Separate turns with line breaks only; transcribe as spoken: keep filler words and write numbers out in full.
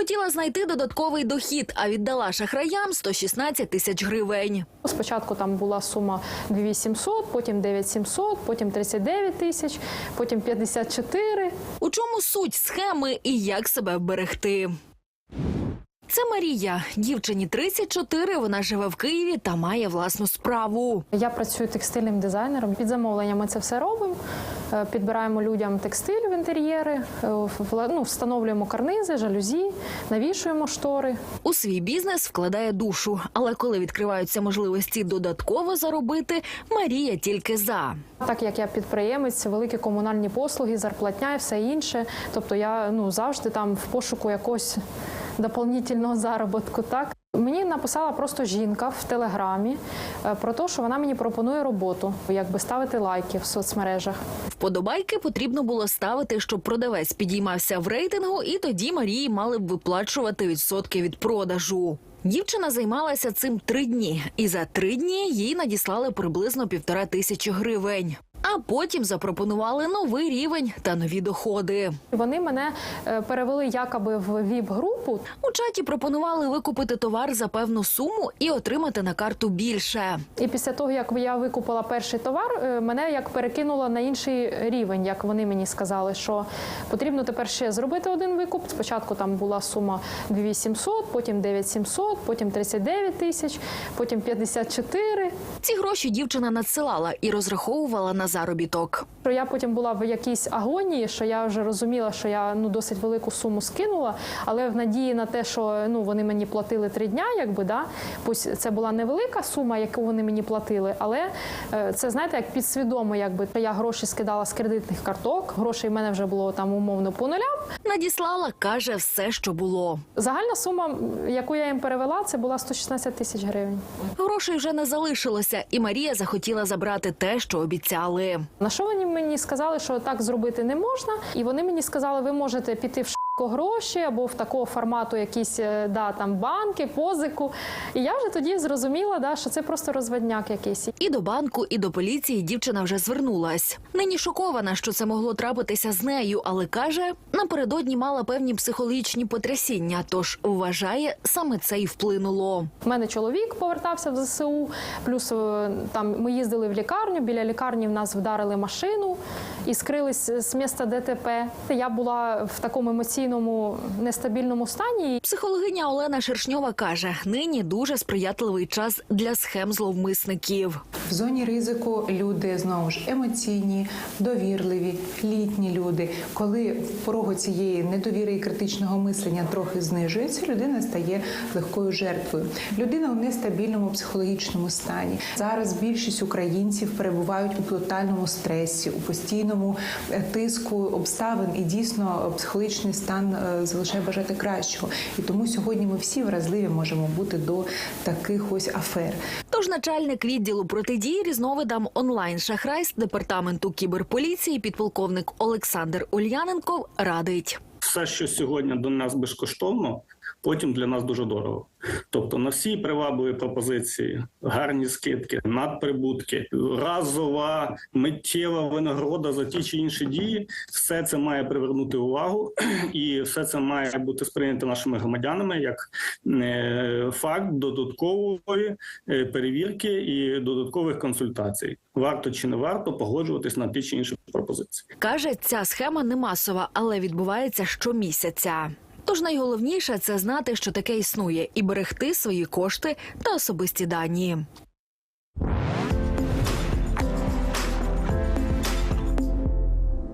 Хотіла знайти додатковий дохід, а віддала шахраям сто шістнадцять тисяч гривень.
Спочатку там була сума дві тисячі вісімсот, потім дев'ять тисяч сімсот, потім тридцять дев'ять тисяч, потім п'ятдесят чотири.
У чому суть схеми і як себе вберегти? Це Марія. Дівчині тридцять чотири, вона живе в Києві та має власну справу.
Я працюю текстильним дизайнером. Під замовлення ми це все робимо. Підбираємо людям текстиль в інтер'єри, ну, встановлюємо карнизи, жалюзі, навішуємо штори.
У свій бізнес вкладає душу. Але коли відкриваються можливості додатково заробити, Марія тільки за.
Так як я підприємець, великі комунальні послуги, зарплатня і все інше. Тобто я ну, завжди там в пошуку якогось дополнительного заробітку. Так? Мені написала просто жінка в Телеграмі про те, що вона мені пропонує роботу, якби ставити лайки в соцмережах.
Вподобайки потрібно було ставити, щоб продавець підіймався в рейтингу, і тоді Марії мали б виплачувати відсотки від продажу. Дівчина займалася цим три дні, і за три дні їй надіслали приблизно півтора тисячі гривень. А потім запропонували новий рівень та нові доходи.
Вони мене перевели якоби в віп-групу.
У чаті пропонували викупити товар за певну суму і отримати на карту більше.
І після того, як я викупила перший товар, мене як перекинуло на інший рівень, як вони мені сказали, що потрібно тепер ще зробити один викуп. Спочатку там була сума дві тисячі сімсот, потім дев'ять тисяч сімсот, потім тридцять дев'ять тисяч, потім п'ятдесят чотири.
Ці гроші дівчина надсилала і розраховувала на заробіток.
Я потім була в якійсь агонії, що я вже розуміла, що я ну досить велику суму скинула, але в надії на те, що ну вони мені платили три дня, якби да, пусть це була невелика сума, яку вони мені платили, але це знаєте, як підсвідомо, якби я гроші скидала з кредитних карток, грошей в мене вже було там умовно по нулям.
Надіслала, каже, все, що було.
Загальна сума, яку я їм перевела, це була сто шістнадцять тисяч гривень.
Грошей вже не залишилося, і Марія захотіла забрати те, що обіцяли.
На що вони мені сказали, що так зробити не можна, і вони мені сказали, ви можете піти в гроші або в такого формату якісь да, там банки, позику. І я вже тоді зрозуміла, да, що це просто розводняк якийсь.
І до банку, і до поліції дівчина вже звернулась. Нині шокована, що це могло трапитися з нею, але каже, напередодні мала певні психологічні потрясіння, тож вважає, саме це й вплинуло.
У мене чоловік повертався в зе се у, плюс там ми їздили в лікарню, біля лікарні в нас вдарили машину і скрились з місця де те пе. Я була в такому емоційному нестабільному стані.
Психологиня Олена Шершньова каже, нині дуже сприятливий час для схем зловмисників.
В зоні ризику люди, знову ж, емоційні, довірливі, літні люди. Коли в порогу цієї недовіри і критичного мислення трохи знижується, людина стає легкою жертвою. Людина у нестабільному психологічному стані. Зараз більшість українців перебувають у тотальному стресі, у постійному тиску обставин, і дійсно психологічний стан залишає бажати кращого. І тому сьогодні ми всі вразливі можемо бути до таких ось афер.
Тож начальник відділу протидії різновидам онлайн-шахрайств департаменту кіберполіції підполковник Олександр Ульяненков радить.
Все, що сьогодні до нас безкоштовно, потім для нас дуже дорого. Тобто на всі привабливі пропозиції, гарні скидки, надприбутки, разова, миттєва винагорода за ті чи інші дії, все це має привернути увагу і все це має бути сприйнято нашими громадянами як факт додаткової перевірки і додаткових консультацій. Варто чи не варто погоджуватись на ті чи інші пропозиції.
Каже, ця схема не масова, але відбувається щомісяця. Тож найголовніше – це знати, що таке існує, і берегти свої кошти та особисті дані.